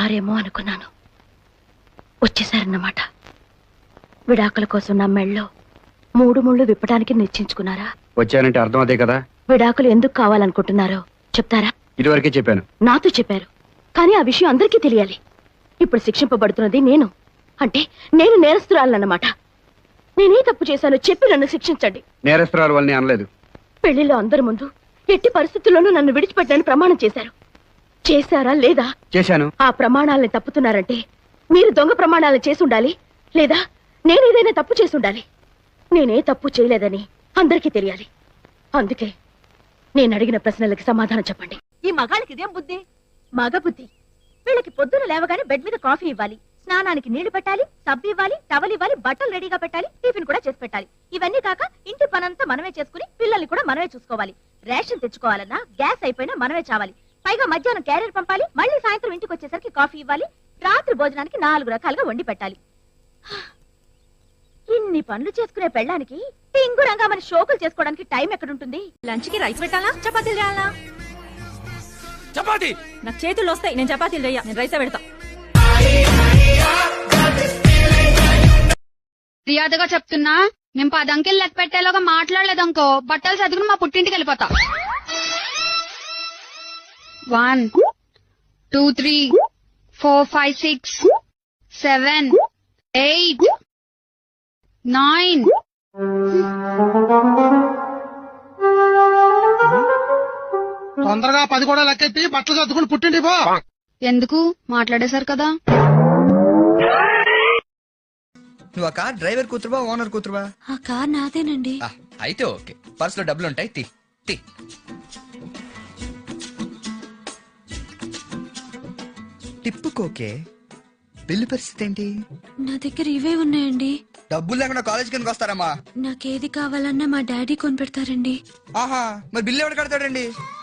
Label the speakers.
Speaker 1: రారేమో అనుకున్నాను. వచ్చేసారన్నమాట. విడాకుల కోసం నా మెళ్ళో 3 ముళ్ళు విప్పడానికి నిశ్చయించుకున్నారా?
Speaker 2: వచ్చానంటే అర్థం అదే కదా.
Speaker 1: విడాకులు ఎందుకు కావాలనుకుంటున్నారో చెప్తారా?
Speaker 2: ఇదివరకే చెప్పాను.
Speaker 1: నాతో చెప్పారు, కానీ ఆ విషయం అందరికీ తెలియాలి. ఇప్పుడు శిక్షింపబడుతున్నది నేను. అంటే నేను నేరస్తురాలన్నమాట. నేనే తప్పు చేశానో చెప్పి నన్ను శిక్షించండి.
Speaker 2: నేరస్తురాలు వాళ్ళని అనలేదు.
Speaker 1: పెళ్లిలో అందరి ముందు ఎట్టి పరిస్థితుల్లోనూ నన్ను విడిచిపెట్టని ప్రమాణం చేశారు. చేశారా లేదా?
Speaker 2: చేశాను.
Speaker 1: ఆ ప్రమాణాలను తప్పుతున్నారంటే మీరు దొంగ ప్రమాణాలు చేసి ఉండాలి, లేదా నేనేదైనా తప్పు చేసి ఉండాలి. నేనే తప్పు చేయలేదని అందరికీ తెలియాలి. అందుకే నేను అడిగిన ప్రశ్నలకి సమాధానం చెప్పండి.
Speaker 3: ఈ మగాళ్ళకి ఇదేం బుద్ధి? మగ బుద్ధి. వీళ్ళకి పొద్దున లేవగానే బెడ్ మీద కాఫీ ఇవ్వాలి, స్నానానికి నీళ్లు పెట్టాలి, సబ్బు ఇవ్వాలి, టవల్ ఇవ్వాలి, బట్టలు రెడీగా పెట్టాలి, టిఫిన్ కూడా చేసి పెట్టాలి. ఇవన్నీ కాక ఇంటి పనంతా మనమే చేసుకుని పిల్లల్ని కూడా మనమే చూసుకోవాలి. రేషన్ తెచ్చుకోవాలన్నా గ్యాస్ అయిపోయినా మనమే చావాలి. పైగా మధ్యాహ్నం క్యారియర్ పంపాలి, మళ్ళీ సాయంత్రం ఇంటికి వచ్చేసరికి కాఫీ ఇవ్వాలి, రాత్రి భోజనానికి 4 రకాలుగా వండి పెట్టాలి. ఇన్ని పనులు చేసుకునే పెళ్ళానికి టింగురంగా మన షోకులు చేసుకోవడానికి టైం ఎక్కడుంటుంది?
Speaker 4: లంచ్ కి రైస్ పెట్టాలా, చపాతీలు చేయాలా?
Speaker 5: చపాతీ
Speaker 4: నాకు చేతులు వస్తాయి, నేను చపాతీలు చెయ్య, నేను రైసే పెడతా.
Speaker 6: మర్యాదగా చెప్తున్నా, నేను 10 అంకెలు లెక్క పెట్టేలాగా మాట్లాడలేదనుకో బట్టలు చదువుకుని మా పుట్టింటికి వెళ్ళిపోతా. 1 2 3 4 5 6 7 8 9.
Speaker 7: తొందరగా 10 కూడా లెక్కెట్టి బట్టలు చదువుకుని పుట్టింటి పో.
Speaker 6: ఎందుకు మాట్లాడేశారు కదా.
Speaker 5: నువ్వు ఆ కార్ డ్రైవర్ కూతురువా ఓనర్ కూతురువా?
Speaker 4: ఆ కార్ నాదేనండి.
Speaker 5: అయితే ఓకే, పర్స్ లో డబ్బులు ఉంటాయి, తీ తీ. టిప్పుకోకే, బిల్లు పరిస్థితి ఏంటి?
Speaker 4: నా దగ్గర ఇవే ఉన్నాయండి.
Speaker 5: డబ్బులు లేకుండా కాలేజ్ కిందకి వస్తారమ్మా?
Speaker 4: నాకేది కావాలన్నా మా డాడీ కొనిపెడతారండి.
Speaker 5: ఆహా, మరి బిల్లు ఎవరు కడతాడండి?